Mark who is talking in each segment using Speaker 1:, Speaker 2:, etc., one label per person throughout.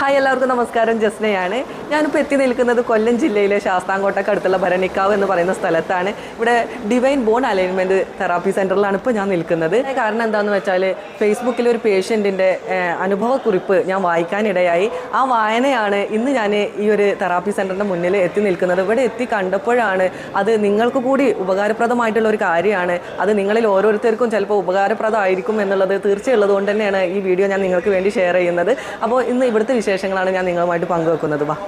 Speaker 1: Hi എല്ലാവർക്കും നമസ്കാരം. ജസ്നയാണ്. ഞാനിപ്പോൾ എത്തി നിൽക്കുന്നത് കൊല്ലം ജില്ലയിലെ ശാസ്താംകോട്ടയ്ക്ക് അടുത്തുള്ള ഭരണിക്കാവ് എന്ന് പറയുന്ന സ്ഥലത്താണ്. ഇവിടെ ഡിവൈൻ ബോൺ അലൈൻമെൻറ്റ് തെറാപ്പി സെൻറ്ററിലാണ് ഇപ്പോൾ ഞാൻ നിൽക്കുന്നത്. കാരണം എന്താണെന്ന് വെച്ചാൽ ഫേസ്ബുക്കിൽ ഒരു പേഷ്യൻറ്റിൻ്റെ അനുഭവക്കുറിപ്പ് ഞാൻ വായിക്കാനിടയായി. ആ വായനയാണ് ഇന്ന് ഞാൻ ഈ ഒരു തെറാപ്പി സെൻറ്ററിൻ്റെ മുന്നിൽ എത്തി നിൽക്കുന്നത്. ഇവിടെ എത്തി കണ്ടപ്പോഴാണ് അത് നിങ്ങൾക്ക് കൂടി ഉപകാരപ്രദമായിട്ടുള്ള ഒരു കാര്യമാണ്. അത് നിങ്ങളിൽ ഓരോരുത്തർക്കും ചിലപ്പോൾ ഉപകാരപ്രദമായിരിക്കും എന്നുള്ളത് തീർച്ചയുള്ളത് കൊണ്ട് തന്നെയാണ് ഈ വീഡിയോ ഞാൻ നിങ്ങൾക്ക് വേണ്ടി ഷെയർ ചെയ്യുന്നത്. അപ്പോൾ ഇന്ന് ഇവിടുത്തെ വിശേഷങ്ങളാണ് ഞാൻ നിങ്ങളുമായിട്ട് പങ്കുവെക്കുന്നത്. വാ.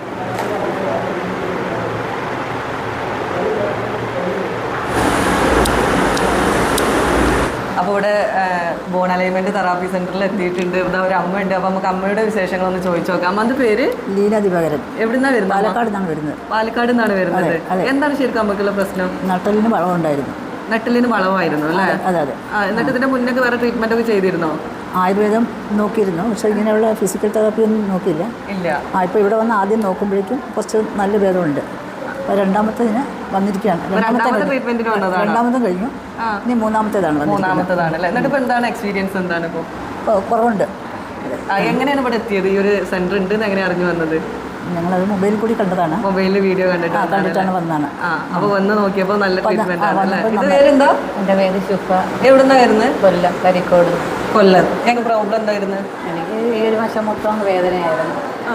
Speaker 1: അപ്പോൾ ഇവിടെ ബോൺ അലൈൻമെന്റ് തെറാപ്പി സെന്ററിൽ എത്തിയിട്ടുണ്ട്. ഇവിടെ ഒരു അമ്മ ഉണ്ട്. അപ്പോൾ നമുക്ക് അമ്മയുടെ വിശേഷങ്ങളൊന്ന് ചോദിച്ചു നോക്കാം. അമ്മന്റെ പേര്
Speaker 2: ലീല ദിവാകരൻ.
Speaker 1: എവിടുന്നാണ് വരുന്നത്?
Speaker 2: പാലക്കാട് നിന്നാണ് വരുന്നത്.
Speaker 1: പാലക്കാട് നിന്നാണ് വരുന്നത്. എന്താണ് ശരിക്കും അമ്മക്കുള്ള പ്രശ്നം?
Speaker 2: നട്ടലിന് വളവുണ്ടായിരുന്നു.
Speaker 1: നട്ടലിന് വളവായിരുന്നു അല്ലേ?
Speaker 2: അതെ അതെ.
Speaker 1: എന്നിട്ട് ഇതിന്റെ മുന്നേ വേറെ ട്രീറ്റ്മെന്റ് ഒക്കെ ചെയ്തിരുന്നോ?
Speaker 2: ആയുർവേദം നോക്കിയിരുന്നു, പക്ഷേ ഇങ്ങനെയുള്ള ഫിസിക്കൽ തെറാപ്പി ഒന്നും നോക്കിയില്ല.
Speaker 1: ഇല്ല.
Speaker 2: ഇപ്പോൾ ഇവിടെ വന്ന് ആദ്യം നോക്കുമ്പോഴേക്കും കുറച്ച് നല്ല ഭേദമുണ്ട്. അപ്പോൾ രണ്ടാമത്തേതിന് വന്നിരിക്കുകയാണ്. രണ്ടാമതും കഴിഞ്ഞു. ഇനി മൂന്നാമത്തേതാണ്.
Speaker 1: എന്നിട്ട് ഇപ്പോൾ എന്താണ് എക്സ്പീരിയൻസ്? എന്താണ് ഇപ്പോൾ?
Speaker 2: കുറവുണ്ട്.
Speaker 1: എങ്ങനെയാണ് ഇവിടെ എത്തിയത്? ഈ ഒരു സെന്റർ ഉണ്ട് എങ്ങനെ അറിഞ്ഞു വന്നത്?
Speaker 2: ഞങ്ങളത് മൊബൈലിൽ കൂടി കണ്ടതാണ്.
Speaker 1: മൊബൈലിൽ വീഡിയോ
Speaker 2: കണ്ടിട്ടാണ് വന്നതാണ്.
Speaker 1: അപ്പോൾ വന്ന് നോക്കിയപ്പോൾ നല്ല ട്രീറ്റ്മെന്റ് ആണ്. ഇത് പേരെന്താ?
Speaker 2: എൻ്റെ പേര് ശുഭ.
Speaker 1: എവിടുന്നാ വരുന്നത്?
Speaker 2: കൊല്ലം, കരിക്കോട്.
Speaker 1: കൊല്ലം. ഞങ്ങൾക്ക് പ്രോബ്ലം എന്തായിരുന്നു?
Speaker 2: എനിക്ക് ഈ ഒരു വശം മൊത്തം വേദനയായിരുന്നു.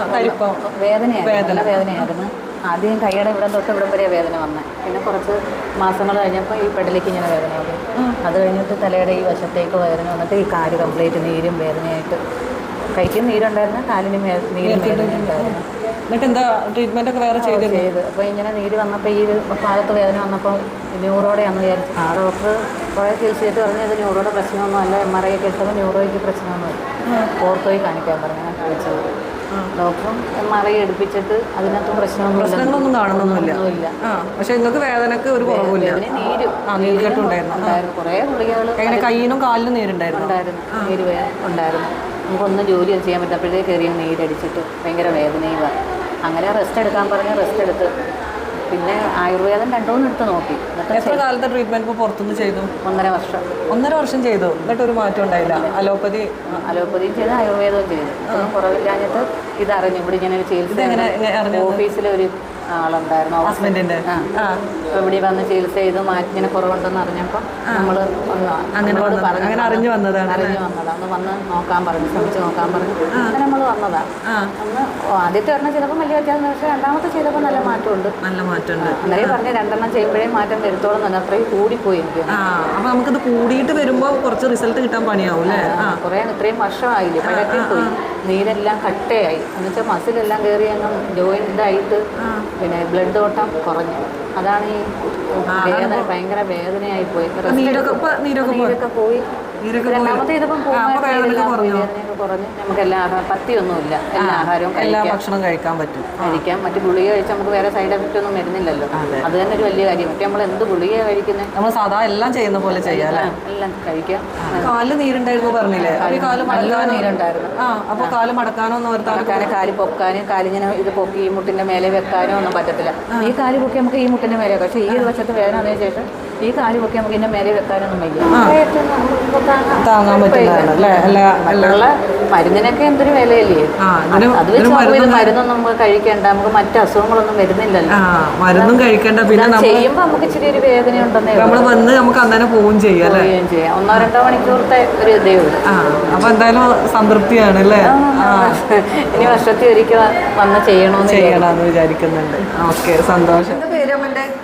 Speaker 2: വേദനയായിരുന്നു. ആദ്യം കൈയുടെ ഇവിടെ തൊട്ട് ഇവിടം വരെ വേദന വന്നത്. പിന്നെ കുറച്ച് മാസങ്ങൾ കഴിഞ്ഞപ്പോൾ ഈ പെടലേക്ക് ഇങ്ങനെ വേദന വന്നു. അത് കഴിഞ്ഞിട്ട് തലയുടെ ഈ വശത്തേക്ക് വേദന വന്നിട്ട് ഈ കാല് കംപ്ലീറ്റ് നീരും വേദനയായിട്ട്, കൈക്കും നീരുണ്ടായിരുന്നു, കാലിനും നീരും വേദനയുണ്ടായിരുന്നു.
Speaker 1: എന്നിട്ട് എന്താ ട്രീറ്റ്മെന്റ് ഒക്കെ വേറെ ചെയ്ത്?
Speaker 2: അപ്പോൾ ഇങ്ങനെ നീര് വന്നപ്പോൾ ഈ ഭാഗത്ത് വേദന വന്നപ്പോൾ ന്യൂറോടെയാണെന്ന് വിചാരിച്ചു. ആ ഡോക്ടർ കുറേ ചികിത്സയായിട്ട് പറഞ്ഞത് ന്യൂറോയുടെ പ്രശ്നമൊന്നും അല്ല, MRI ഒക്കെ എടുത്തപ്പോൾ ന്യൂറോയ്ക്ക് പ്രശ്നമൊന്നുമില്ല, ഓർത്തോയി കാണിക്കാൻ പറഞ്ഞു. ഞാൻ ചോദിച്ചത് ഡോക്ടറും MRI എടുപ്പിച്ചിട്ട് അതിനകത്തും
Speaker 1: പ്രശ്നങ്ങളൊന്നും കാണുന്നൊന്നുമില്ല. പക്ഷെ നിങ്ങൾക്ക് വേദനക്ക് ഒരു കുറവില്ല.
Speaker 2: നീരുണ്ടായിരുന്നു. കുറേ ഗുളികകൾ
Speaker 1: കയ്യിനും കാലിനും നീരുണ്ടായിരുന്നു.
Speaker 2: നീര് ഉണ്ടായിരുന്നു. നമുക്കൊന്നും ജോലി ചെയ്യാൻ പറ്റപ്പോഴത്തേക്ക് കയറിയ നീരടിച്ചിട്ട് ഭയങ്കര വേദനയുമാണ്. അങ്ങനെ റെസ്റ്റ് എടുക്കാൻ പറഞ്ഞ് റെസ്റ്റ് എടുത്ത് പിന്നെ ആയുർവേദം 2-3 എടുത്ത് നോക്കി.
Speaker 1: എത്ര കാലത്തെ ട്രീറ്റ്മെന്റ് ഇപ്പോൾ പുറത്തുനിന്ന് ചെയ്തു?
Speaker 2: 1.5 വർഷം
Speaker 1: ചെയ്തു. എന്നിട്ട് ഒരു മാറ്റം ഉണ്ടായില്ല?
Speaker 2: അലോപ്പതിയും ചെയ്ത് ആയുർവേദവും ചെയ്തു. കുറവില്ലാഞ്ഞിട്ട് ഇതറിഞ്ഞു. ഇവിടെ ഇങ്ങനെ ഒരു ചികിത്സ ഓഫീസിലൊരു ആളുണ്ടായിരുന്നു, ഹസ്ബൻഡിൻ്റെ. ഇവിടെ വന്ന് ചികിത്സ ചെയ്ത് മാറ്റി ഇങ്ങനെ കുറവുണ്ടെന്ന് അറിഞ്ഞപ്പോൾ നമ്മൾ
Speaker 1: അറിഞ്ഞു വന്നതാണ്.
Speaker 2: ഒന്ന് വന്ന് നോക്കാൻ പറഞ്ഞു, ശ്രമിച്ച് നോക്കാൻ പറഞ്ഞു. അങ്ങനെ നമ്മൾ വന്നതാണ്. അന്ന് ആദ്യത്തെ ഒരെണ്ണം ചെയ്തപ്പോൾ വലിയ വ്യത്യാസം, പക്ഷേ രണ്ടാമത്തെ ചെയ്തപ്പോൾ നല്ല മാറ്റമുണ്ട്. അന്നേരം പറഞ്ഞ 2 ചെയ്യുമ്പോഴേ മാറ്റം വരുത്തോളം തന്നെ അത്രയും കൂടിപ്പോയി എനിക്ക്.
Speaker 1: അപ്പോൾ നമുക്കിത് കൂടിയിട്ട് വരുമ്പോൾ കുറച്ച് റിസൾട്ട് കിട്ടാൻ പണിയാവും അല്ലേ?
Speaker 2: കുറേ ഇത്രയും വർഷമായില്ലേ, പഴക്കി പോയി, നീരെല്ലാം കട്ടയായി, എന്നുവെച്ചാൽ മസിലെല്ലാം കയറി അങ്ങ് ജോയിൻ്റായിട്ട് പിന്നെ ബ്ലഡ് ഓട്ടം കുറഞ്ഞു. അതാണ് ഈ വേദന, ഭയങ്കര വേദനയായി പോയി. നീരൊക്കെ പോയി. രണ്ടാമത്തെ ചെയ്തപ്പം വേദനയൊക്കെ കുറഞ്ഞു. നമുക്ക് എല്ലാ ആഹാരം പത്തിയൊന്നുമില്ല, എല്ലാ ആഹാരവും
Speaker 1: ഭക്ഷണം കഴിക്കാൻ പറ്റും.
Speaker 2: മറ്റു ഗുളിക കഴിച്ചാൽ നമുക്ക് വേറെ സൈഡ് എഫക്റ്റ് ഒന്നും വരുന്നില്ലല്ലോ. അത് തന്നെ ഒരു വലിയ കാര്യം. മറ്റേ നമ്മൾ എന്ത് ഗുളിക കഴിക്കുന്നത്
Speaker 1: നമ്മൾ സാധാ എല്ലാം ചെയ്യുന്ന പോലെ ചെയ്യാം,
Speaker 2: എല്ലാം കഴിക്കാം.
Speaker 1: കാല് നീരുണ്ടായിരുന്നു പറഞ്ഞില്ലേ?
Speaker 2: നല്ല നീരുണ്ടായിരുന്നു.
Speaker 1: അപ്പോൾ കാല് മടക്കാനോ
Speaker 2: മടക്കാനോ കാല് പൊക്കാനും കാലിങ്ങനെ ഇത് പൊക്കി ഈ മുട്ടിന്റെ മേലെ വെക്കാനോ ഒന്നും പറ്റത്തില്ല. ഈ കാല് പൊക്കി നമുക്ക് ഈ മുട്ടിന്റെ മേലെ വെക്കാം, പക്ഷേ ഈ ഒരു വശത്ത് വേദന വന്നതിന് ശേഷം ഈ കാല് പൊക്കി നമുക്ക് ഇതിന്റെ മേലെ വെക്കാനൊന്നും വയ്യ.
Speaker 1: താങ്ങാൻ പറ്റില്ല.
Speaker 2: മരുന്നിനൊക്കെ എന്തൊരു വിലയല്ലേ? അത് വെച്ച് മരുന്നൊന്നും നമുക്ക് കഴിക്കേണ്ട, നമുക്ക് മറ്റു അസുഖങ്ങളൊന്നും വരുന്നില്ലല്ലോ.
Speaker 1: മരുന്നും കഴിക്കേണ്ട. പിന്നെ
Speaker 2: ചെയ്യുമ്പോ നമുക്ക് ഇച്ചിരി ഒരു വേദന ഉണ്ടെന്നേ
Speaker 1: വന്ന് നമുക്ക് അന്നേരം പോവുകയും ചെയ്യാം.
Speaker 2: 1-2 മണിക്കൂറത്തെ ഒരു ഇതേ ഉള്ളൂ.
Speaker 1: അപ്പൊ എന്തായാലും സംതൃപ്തിയാണ് അല്ലേ?
Speaker 2: ഇനി വർഷത്തിൽ ഒരിക്കൽ വന്ന് ചെയ്യണമെന്ന്
Speaker 1: വിചാരിക്കുന്നുണ്ട്. ഓക്കെ, സന്തോഷം. എന്റെ പേര്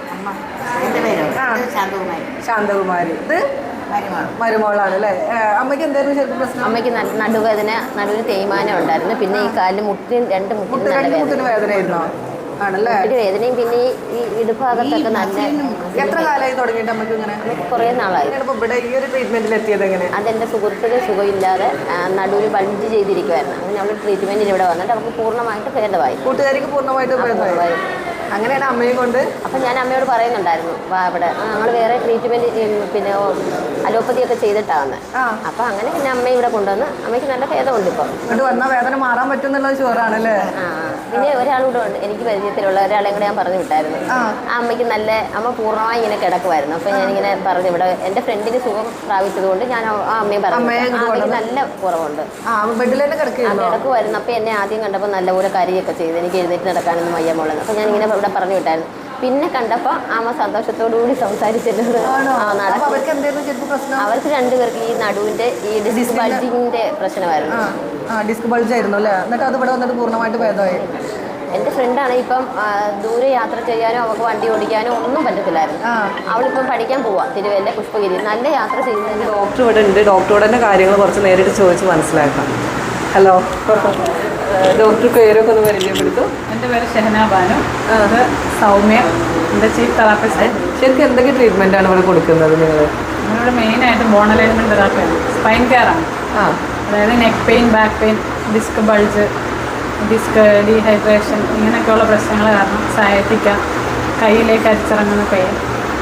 Speaker 1: ശാന്തകുമാരി. ഇത് മരുമോളാണ് അല്ലേ? അമ്മയ്ക്ക് എന്തായിരുന്നു ശരിക്കും പ്രശ്നം?
Speaker 3: അമ്മയ്ക്ക് നടുവേദന, നടുവിന് തേയ്മാനം ഉണ്ടായിരുന്നു. പിന്നെ ഈ കാലിന് രണ്ട് മുട്ടിന്
Speaker 1: വേദനയായിരുന്നോ? ആണല്ലേ?
Speaker 3: വേദനയും പിന്നെ ഈ ഇടുഭാഗത്തൊക്കെ നല്ല.
Speaker 1: എത്ര കാലമായി തുടങ്ങിയിട്ട് അമ്മയ്ക്ക് ഇങ്ങനെ?
Speaker 3: കുറേ നാളായി.
Speaker 1: ഇവിടെ ഈ ഒരു ട്രീറ്റ്മെന്റിൽ എത്തിയത് എങ്ങനെ?
Speaker 3: അതെൻ്റെ സുഹൃത്തുക്കൾ സുഖമില്ലാതെ നടുവിന് ബൾജ് ചെയ്തിരിക്കുമായിരുന്നു. അങ്ങനെ അവൾ ട്രീറ്റ്മെന്റിന് ഇവിടെ വന്നിട്ട് അവർക്ക് പൂർണ്ണമായിട്ട് ഭേദമായി.
Speaker 1: കൂട്ടുകാരിക്ക് പൂർണ്ണമായിട്ട് ഭേദമായി. അങ്ങനെയാണ് അമ്മയെ കൊണ്ട്.
Speaker 3: അപ്പം ഞാൻ അമ്മയോട് പറയുന്നുണ്ടായിരുന്നു, വാ ഇവിടെ ഞങ്ങൾ വേറെ ട്രീറ്റ്മെൻറ്റ് പിന്നെ അലോപ്പതി ഒക്കെ ചെയ്തിട്ടാണ് വന്നത്. അപ്പൊ അങ്ങനെ പിന്നെ അമ്മയെ ഇവിടെ കൊണ്ടുവന്ന് അമ്മയ്ക്ക് നല്ല ഭേദമുണ്ട് ഇപ്പൊ.
Speaker 1: ഇവിടെ വന്നാൽ വേദന മാറാൻ പറ്റുന്നുള്ള ഷുവറാണല്ലേ?
Speaker 3: പിന്നെ ഒരാളൂടെ ഉണ്ട് എനിക്ക് പരിചയത്തിലുള്ള ഒരാളെ കൂടെ ഞാൻ പറഞ്ഞു വിട്ടായിരുന്നു. ആ അമ്മയ്ക്ക് നല്ല അമ്മ പൂർണ്ണമായി ഇങ്ങനെ കിടക്കുമായിരുന്നു. അപ്പൊ ഞാനിങ്ങനെ പറഞ്ഞു ഇവിടെ എന്റെ ഫ്രണ്ടിന് സുഖം പ്രാപിച്ചതുകൊണ്ട് ഞാൻ ആ അമ്മയെ പറഞ്ഞു അമ്മയ്ക്ക് നല്ല കുറവുണ്ട്. കിടക്കുമായിരുന്നു. അപ്പൊ എന്നെ ആദ്യം കണ്ടപ്പോൾ നല്ലപോലെ കരിയൊക്കെ ചെയ്ത് എനിക്ക് എഴുന്നേറ്റ് നടക്കാനൊന്നും വയ്യ മോളെന്ന്. അപ്പൊ ഞാനിങ്ങനെ ഇവിടെ പറഞ്ഞു വിട്ടായിരുന്നു. പിന്നെ കണ്ടപ്പോൾ അമ്മ സന്തോഷത്തോടുകൂടി സംസാരിച്ചിട്ടുണ്ട്. അവർക്ക് രണ്ടുപേർക്ക് ഈ നടുവിന്റെ ഈ ഡിസ്ക് ബൾജിങ്ങിന്റെ പ്രശ്നമായിരുന്നു.
Speaker 1: ഡിസ്ക് ബൾജ് ആയിരുന്നു അല്ലേ? എന്നിട്ട് അത് ഇവിടെ വന്നിട്ട് പൂർണ്ണമായിട്ട് ഭേദമായി.
Speaker 3: എൻ്റെ ഫ്രണ്ടാണ് ഇപ്പം ദൂരെ യാത്ര ചെയ്യാനോ അവൾക്ക് വണ്ടി ഓടിക്കാനോ ഒന്നും പറ്റത്തില്ലായിരുന്നു. അവളിപ്പം പഠിക്കാൻ പോവാ തിരുവല്ല പുഷ്പഗിരി. നല്ല യാത്ര ചെയ്യുന്നതിന്
Speaker 1: ഡോക്ടർ ഇവിടെ ഉണ്ട്. ഡോക്ടറോട് തന്നെ കാര്യങ്ങൾ കുറച്ച് നേരിട്ട് ചോദിച്ച് മനസ്സിലാക്കാം. ഹലോ ഡോക്ടർ, പേരൊക്കെ ഒന്ന് പരിചയപ്പെടുത്തു.
Speaker 4: എൻ്റെ പേര് ഷെഹന ബാനു. അത് സൗമ്യ, എൻ്റെ ചീഫ് തെറാപ്പിസ്റ്റ്.
Speaker 1: ശരിക്കും എന്തൊക്കെ ട്രീറ്റ്മെൻ്റ് ആണ് ഇവിടെ കൊടുക്കുന്നത് നിങ്ങൾ?
Speaker 4: നമ്മളിവിടെ മെയിനായിട്ട് ബോൺ അലൈൻമെൻറ്റ് തെറാപ്പിയാണ്, സ്പൈൻ കെയർ ആണ്. അതായത് neck pain, back pain, disc bulge, disc dehydration ഇങ്ങനെയൊക്കെയുള്ള പ്രശ്നങ്ങൾ കാരണം സയാറ്റിക്ക, കയ്യിലേക്ക് അരിച്ചിറങ്ങുന്ന പെയിൻ,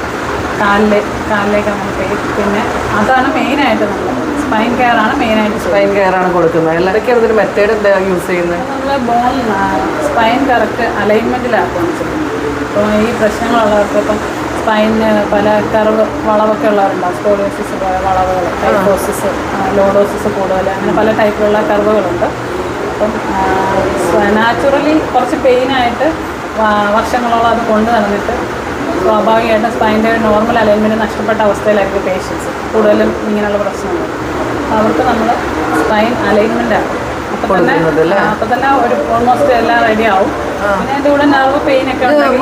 Speaker 4: കാലിലേക്ക് അങ്ങനെ പെയിൻ, പിന്നെ അതാണ് മെയിനായിട്ട് നമ്മൾ സ്പൈൻ കെയർ ആണ് മെയിനായിട്ട്.
Speaker 1: സ്പൈൻ കെയർ ആണ് കൊടുക്കുന്നത്. എല്ലാതൊക്കെയാണ് ഇതിന് മെത്തേഡ് എന്താ യൂസ് ചെയ്യുന്നത്?
Speaker 4: നമ്മൾ ബോൺ സ്പൈൻ കറക്റ്റ് അലൈൻമെൻറ്റിലാക്കുകയാണ് ചെയ്യുന്നത്. അപ്പോൾ ഈ പ്രശ്നങ്ങളുള്ളവർക്ക് ഇപ്പം സ്പൈനിന് പല കർവ് വളവൊക്കെ ഉള്ളവരുണ്ടാവും. സ്കോളിയോസിസ് പോലെ വളവുകൾ, ടൈപ്പോസിസ്, ലോഡോസിസ് കൂടുതൽ, അങ്ങനെ പല ടൈപ്പിലുള്ള കർവുകളുണ്ട്. അപ്പം നാച്ചുറലി കുറച്ച് പെയിനായിട്ട് വർഷങ്ങളോളം അത് കൊണ്ടു നടന്നിട്ട് സ്വാഭാവികമായിട്ടും സ്പൈൻ്റെ നോർമൽ അലൈൻമെൻറ്റ് നഷ്ടപ്പെട്ട അവസ്ഥയിലായിരിക്കും പേഷ്യൻസ് കൂടുതലും ഇങ്ങനെയുള്ള പ്രശ്നങ്ങൾ. അവർക്ക് നമ്മൾ സ്പൈൻ അലൈൻമെൻ്റ് ആണ്. അപ്പം തന്നെ ഒരു ഓൾമോസ്റ്റ് എല്ലാം റെഡി ആവും. പിന്നെ അതിൻ്റെ കൂടെ നെർവ് പെയിൻ ഒക്കെ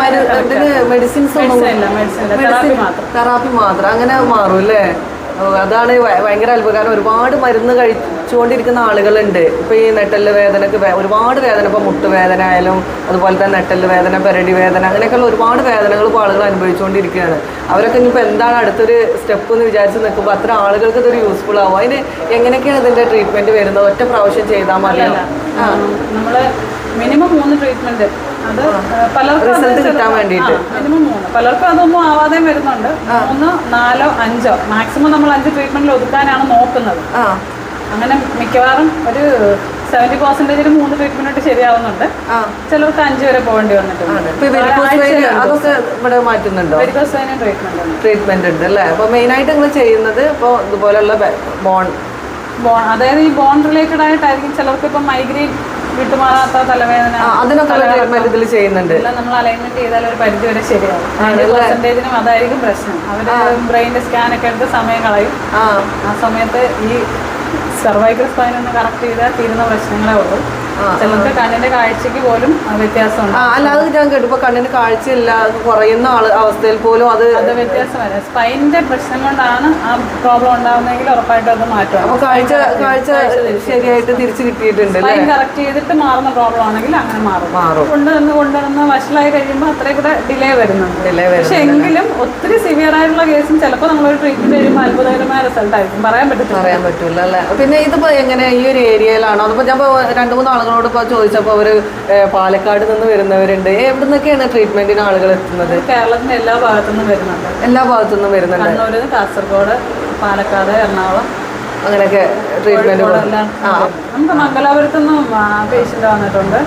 Speaker 1: മെഡിസിൻസ്
Speaker 4: ഇല്ല, മെഡിസിൻ
Speaker 1: തെറാപ്പി മാത്രം അങ്ങനെ മാറും അല്ലേ? അതാണ് ഭയങ്കര അത്ഭുതം. കാരണം ഒരുപാട് മരുന്ന് കഴിച്ചുകൊണ്ടിരിക്കുന്ന ആളുകളുണ്ട്. ഇപ്പോൾ ഈ നെട്ടല് വേദനക്ക് ഒരുപാട് വേദന, ഇപ്പോൾ മുട്ടുവേദന ആയാലും അതുപോലെ തന്നെ നെട്ടല് വേദന, പെരടി വേദന, അങ്ങനെയൊക്കെയുള്ള ഒരുപാട് വേദനകൾ ഇപ്പോൾ ആളുകൾ അനുഭവിച്ചുകൊണ്ടിരിക്കുകയാണ്. അവരൊക്കെ ഇനിയിപ്പോൾ എന്താണ് അടുത്തൊരു സ്റ്റെപ്പ് എന്ന് വിചാരിച്ച് നിൽക്കുമ്പോൾ അത്ര ആളുകൾക്ക് ഇതൊരു യൂസ്ഫുൾ ആവും. അതിന് എങ്ങനെയൊക്കെയാണ് ഇതിൻ്റെ ട്രീറ്റ്മെൻറ്റ് വരുന്നത്? ഒറ്റ പ്രാവശ്യം ചെയ്താൽ മതിയല്ല?
Speaker 4: നമ്മൾ മിനിമം 3 ട്രീറ്റ്മെൻറ്റ്, അത് പലർക്കും
Speaker 1: റിസൾട്ട് കിട്ടാൻ വേണ്ടിയിട്ട്
Speaker 4: മിനിമം 3. പലർക്കും അതൊന്നും ആവാതെ വരുന്നുണ്ട്. 3, 4, 5 മാക്സിമം നമ്മൾ 5 ട്രീറ്റ്മെന്റിൽ ഒതുക്കാനാണ് നോക്കുന്നത്. അങ്ങനെ മിക്കവാറും ഒരു 70% 3 ട്രീറ്റ്മെന്റ് ശരിയാവുന്നുണ്ട്. ചിലർക്ക് 5 വരെ പോകേണ്ടി വന്നിട്ടുണ്ട്.
Speaker 1: അതൊക്കെ ഇവിടെ മാറ്റുന്നുണ്ടോ? ട്രീറ്റ്മെന്റ് ഉണ്ട് അല്ലേ? അപ്പോൾ മെയിനായിട്ട് നിങ്ങൾ ചെയ്യുന്നത് ഇപ്പോൾ ഇതുപോലെയുള്ള ബോൺ,
Speaker 4: അതായത് ഈ ബോൺ റിലേറ്റഡ് ആയിട്ടായിരിക്കും. ചിലർക്ക് ഇപ്പം മൈഗ്രെയിൻ വിട്ടുമാറാത്ത തലവേദന,
Speaker 1: അതിനൊക്കെ ഇതിൽ ചെയ്യുന്നുണ്ട്.
Speaker 4: നമ്മൾ അലൈൻമെന്റ് ചെയ്താൽ ഒരു പരിധി വരെ ശരിയാവും. 90% അതായിരിക്കും പ്രശ്നം. അവര് ബ്രെയിനിന്റെ സ്കാനൊക്കെ എടുത്ത് സമയം കളയും. ആ സമയത്ത് ഈ സർവൈക്കൽ സ്പൈൻ ഒന്ന് കറക്റ്റ് ചെയ്താൽ തീരുന്ന പ്രശ്നങ്ങളേ ഉള്ളൂ. ചിലർക്ക് കണ്ണിന്റെ കാഴ്ചക്ക് പോലും വ്യത്യാസമുണ്ട്.
Speaker 1: അല്ലാതെ ഞാൻ കേട്ടു ഇപ്പൊ കണ്ണിന് കാഴ്ചയില്ല കുറയുന്ന അവസ്ഥയിൽ പോലും അത്
Speaker 4: വ്യത്യാസം വരാം. സ്പൈനിന്റെ പ്രശ്നം കൊണ്ടാണ് ആ പ്രോബ്ലം ഉണ്ടാവുന്നതെങ്കിൽ ഉറപ്പായിട്ടും അത് മാറ്റും.
Speaker 1: അപ്പൊ കാഴ്ച ശരിയായിട്ട് തിരിച്ചു കിട്ടിയിട്ടുണ്ട്.
Speaker 4: സ്പൈൻ കറക്റ്റ് ചെയ്തിട്ട് മാറുന്ന പ്രോബ്ലം ആണെങ്കിൽ അങ്ങനെ മാറും. കൊണ്ടുവന്ന് വഷളായി കഴിയുമ്പോൾ അത്രയും കൂടെ ഡിലേ വരുന്നുണ്ട്. പക്ഷെ എങ്കിലും ഒത്തിരി സിവിയർ ആയിട്ടുള്ള കേസും ചിലപ്പോൾ നമ്മളൊരു ട്രീറ്റ്മെന്റ് കഴിയുമ്പോൾ അത്ഭുതകരമായ റിസൾട്ട് ആയിരിക്കും. പറയാൻ പറ്റില്ല
Speaker 1: അല്ലേ? പിന്നെ ഇതിപ്പോ എങ്ങനെ ഈ ഒരു ഏരിയയിലാണോ? അതിപ്പോ ഞാൻ 2-3 ആളുകളോട് ഇപ്പോൾ ചോദിച്ചപ്പോൾ അവർ പാലക്കാട് നിന്ന് വരുന്നവരുണ്ട്. എവിടെ നിന്നൊക്കെയാണ് ട്രീറ്റ്മെന്റിന് ആളുകൾ എത്തുന്നത്?
Speaker 4: കേരളത്തിന്റെ എല്ലാ ഭാഗത്തുനിന്നും വരുന്നുണ്ട്.
Speaker 1: കണ്ണൂർ,
Speaker 4: കാസർഗോഡ്, പാലക്കാട്, എറണാകുളം
Speaker 1: അങ്ങനെയൊക്കെ ട്രീറ്റ്മെന്റ്.
Speaker 4: നമുക്ക് മംഗലാപുരത്തുനിന്നും പേഷ്യന്റ് വന്നിട്ടുണ്ട്.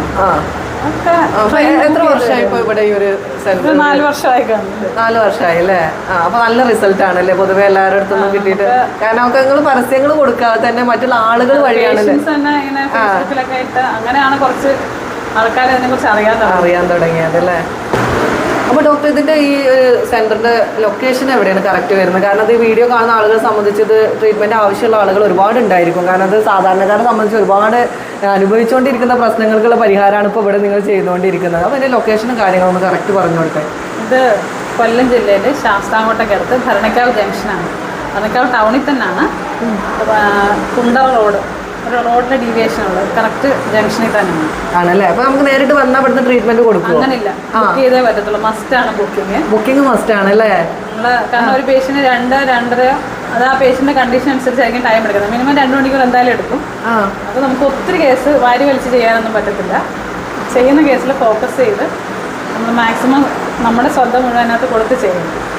Speaker 1: എത്ര വർഷമായി ഇപ്പോൾ ഇവിടെ ഈ ഒരു
Speaker 4: 4 വർഷമായി?
Speaker 1: 4 വർഷമായി അല്ലേ? അപ്പൊ നല്ല റിസൾട്ട് ആണല്ലേ പൊതുവെ എല്ലാവരുടെ അടുത്തൊന്നും കിട്ടിയിട്ട്? കാരണം ഒക്കെ നിങ്ങൾ പരസ്യങ്ങൾ കൊടുക്കാതെ തന്നെ മറ്റുള്ള ആളുകൾ വഴിയാണല്ലേ
Speaker 4: അങ്ങനെയാണ് കുറച്ച് ആൾക്കാർ അതിനെ കുറിച്ച് അറിയാൻ
Speaker 1: തുടങ്ങിയത് അല്ലേ? അപ്പോൾ ഡോക്ടർ, ഇതിൻ്റെ ഈ സെൻറ്ററിൻ്റെ ലൊക്കേഷൻ എവിടെയാണ് കറക്റ്റ് വരുന്നത്? കാരണം അത് ഈ വീഡിയോ കാണുന്ന ആളുകളെ സംബന്ധിച്ച് ഇത് ട്രീറ്റ്മെൻറ്റ് ആവശ്യമുള്ള ആളുകൾ ഒരുപാട് ഉണ്ടായിരിക്കും. കാരണം അത് സാധാരണക്കാരെ സംബന്ധിച്ച് ഒരുപാട് അനുഭവിച്ചുകൊണ്ടിരിക്കുന്ന പ്രശ്നങ്ങൾക്കുള്ള പരിഹാരമാണ് ഇപ്പോൾ ഇവിടെ നിങ്ങൾ ചെയ്തുകൊണ്ടിരിക്കുന്നത്. അപ്പോൾ അതിൻ്റെ ലൊക്കേഷനും കാര്യങ്ങളൊന്ന് കറക്റ്റ് പറഞ്ഞു കൊടുക്കാൻ.
Speaker 4: ഇത് കൊല്ലം ജില്ലയിൽ ശാസ്താംകോട്ടയ്ക്കടുത്ത് ഭരണിക്കാവ് ജംഗ്ഷനാണ്. ഭരണിക്കാവ് ടൗണിൽ തന്നെയാണ്. കുണ്ടറ റോഡ്, ഒരു റോഡിന്റെ ഡീവിയേഷൻ ഉള്ളത് കറക്റ്റ് ജംഗ്ഷനിൽ തന്നെയാണ്.
Speaker 1: ആണല്ലേ? അപ്പൊ നമുക്ക് നേരിട്ട് വന്നാൽ ഇവിടുന്ന് ട്രീറ്റ്മെന്റ് കൊടുക്കും?
Speaker 4: അങ്ങനെയില്ല, ബുക്ക് ചെയ്തേ പറ്റത്തുള്ളൂ. മസ്റ്റ് ആണ് ബുക്കിംഗ്
Speaker 1: മസ്റ്റ് ആണല്ലേ?
Speaker 4: കാരണം ഒരു പേഷ്യന്റ് 2-2.5 അത് ആ പേഷ്യന്റെ കണ്ടീഷൻ അനുസരിച്ചായിരിക്കും ടൈം എടുക്കുന്നത്. മിനിമം 2 മണിക്കൂർ എന്തായാലും എടുക്കും. അപ്പോൾ നമുക്ക് ഒത്തിരി കേസ് വാരി വലിച്ച് ചെയ്യാനൊന്നും പറ്റത്തില്ല. ചെയ്യുന്ന കേസിൽ ഫോക്കസ് ചെയ്ത് നമ്മൾ മാക്സിമം നമ്മുടെ ശ്രദ്ധ മുഴുവൻ അതിനകത്ത് കൊടുത്ത് ചെയ്യും.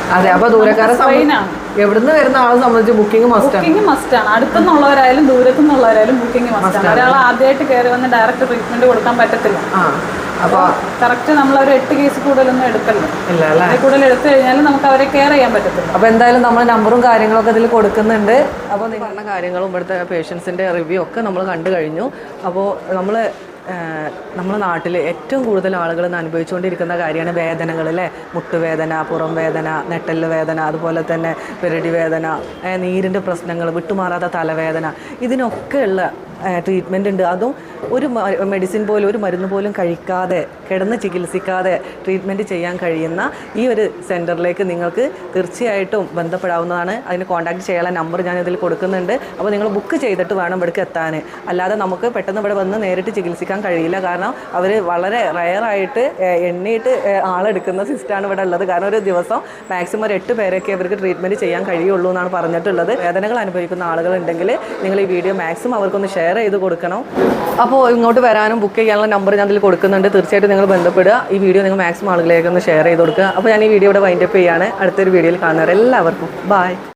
Speaker 1: അതെ, അപ്പോൾ ദൂരക്കാരെ എവിടുന്ന് വരുന്ന ആളെ സംബന്ധിച്ച് ബുക്കിംഗ് മസ്റ്റാണ്.
Speaker 4: ബുക്കിംഗ് മസ്റ്റാണ്. അടുത്തുനിന്നുള്ളവരായാലും ദൂരത്തുനിന്നുള്ളവരായാലും ബുക്കിംഗ് മസ്റ്റാണ്. ഒരാൾ ആദ്യമായിട്ട് കയറി വന്ന് ഡയറക്റ്റ് ട്രീറ്റ്മെന്റ് കൊടുക്കാൻ പറ്റത്തില്ല. അപ്പോൾ കറക്റ്റ് നമ്മളൊരു 8 കേസ് കൂടുതലൊന്നും എടുക്കല്ലോ.
Speaker 1: ഇല്ല അല്ലേ?
Speaker 4: കൂടുതൽ എടുത്തു കഴിഞ്ഞാൽ നമുക്ക് അവരെ കെയർ ചെയ്യാൻ പറ്റത്തില്ല.
Speaker 1: അപ്പോൾ എന്തായാലും നമ്മൾ നമ്പറും കാര്യങ്ങളൊക്കെ ഇതിൽ കൊടുക്കുന്നുണ്ട്. അപ്പോൾ നിങ്ങൾ പറഞ്ഞ കാര്യങ്ങളും ഇവിടുത്തെ പേഷ്യൻസിൻ്റെ റിവ്യൂ ഒക്കെ നമ്മൾ കണ്ടു കഴിഞ്ഞു. അപ്പോൾ നമ്മുടെ നാട്ടിൽ ഏറ്റവും കൂടുതൽ ആളുകൾ അനുഭവിച്ചുകൊണ്ടിരിക്കുന്ന കാര്യമാണ് വേദനകൾ അല്ലേ. മുട്ടുവേദന, പുറം വേദന, നെട്ടല് വേദന, അതുപോലെ തന്നെ പെരടി വേദന, നീരിൻ്റെ പ്രശ്നങ്ങൾ, വിട്ടുമാറാത്ത തലവേദന, ഇതിനൊക്കെയുള്ള ട്രീറ്റ്മെൻ്റ് ഉണ്ട്. അതും ഒരു മെഡിസിൻ പോലും, ഒരു മരുന്ന് പോലും കഴിക്കാതെ, കിടന്ന് ചികിത്സിക്കാതെ ട്രീറ്റ്മെൻറ്റ് ചെയ്യാൻ കഴിയുന്ന ഈ ഒരു സെൻറ്ററിലേക്ക് നിങ്ങൾക്ക് തീർച്ചയായിട്ടും ബന്ധപ്പെടാവുന്നതാണ്. അതിന് കോൺടാക്ട് ചെയ്യാനുള്ള നമ്പർ ഞാൻ ഇതിൽ കൊടുക്കുന്നുണ്ട്. അപ്പോൾ നിങ്ങൾ ബുക്ക് ചെയ്തിട്ട് വേണം ഇവിടേക്ക് എത്താൻ. അല്ലാതെ നമുക്ക് പെട്ടെന്ന് ഇവിടെ വന്ന് നേരിട്ട് ചികിത്സിക്കാൻ കഴിയില്ല. കാരണം അവർ വളരെ റയറായിട്ട് എണ്ണിയിട്ട് ആളെടുക്കുന്ന സിസ്റ്റമാണ് ഇവിടെ ഉള്ളത്. കാരണം ഒരു ദിവസം മാക്സിമം ഒരു 8 പേരൊക്കെ അവർക്ക് ട്രീറ്റ്മെൻറ്റ് ചെയ്യാൻ കഴിയുള്ളൂ എന്നാണ് പറഞ്ഞിട്ടുള്ളത്. വേദനകൾ അനുഭവിക്കുന്ന ആളുകളുണ്ടെങ്കിൽ നിങ്ങൾ ഈ വീഡിയോ മാക്സിമം അവർക്കൊന്ന് ഷെയർ ചെയ്ത് കൊടുക്കണം. അപ്പോൾ ഇങ്ങോട്ട് വരാനും ബുക്ക് ചെയ്യാനുള്ള നമ്പർ ഞാൻ ഇതിൽ കൊടുക്കുന്നുണ്ട്. തീർച്ചയായിട്ടും നിങ്ങൾ ബന്ധപ്പെടുക. ഈ വീഡിയോ നിങ്ങൾ മാക്സിമം ആളുകളിലേക്ക് ഒന്ന് ഷെയർ ചെയ്ത് കൊടുക്കുക. അപ്പോൾ ഞാൻ ഈ വീഡിയോ ഇവിടെ വൈൻഡപ്പ് ചെയ്യുകയാണ്. അടുത്തൊരു വീഡിയോയിൽ കാണുന്നവരെല്ലാവർക്കും ബൈ.